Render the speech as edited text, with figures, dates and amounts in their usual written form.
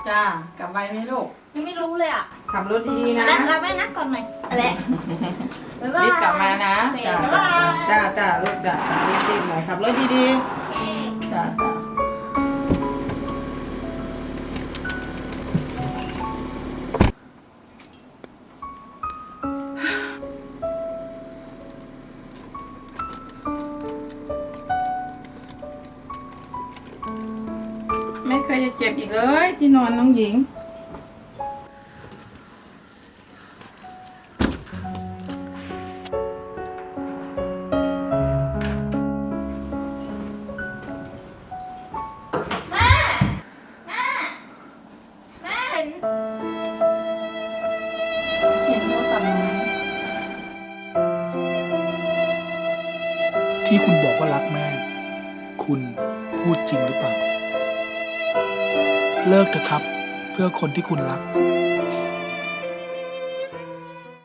จ้ากลับไวไหมลูกไม่รู้เลยอ่ะขับรถดีๆนะรับแม่นะก่อนหน่อยอะไรรีบกลับมานะจ้าจ้าลูกจ้ารีบหน่อยขับรถดีๆจ้าไม่เคยจะเจ็บอีกเลยที่นอนน้องหญิงเห็นโทรศัพท์ไหมที่คุณบอกว่ารักแม่ คุณพูดจริงหรือเปล่า เลิกเถอะครับ เพื่อคนที่คุณรัก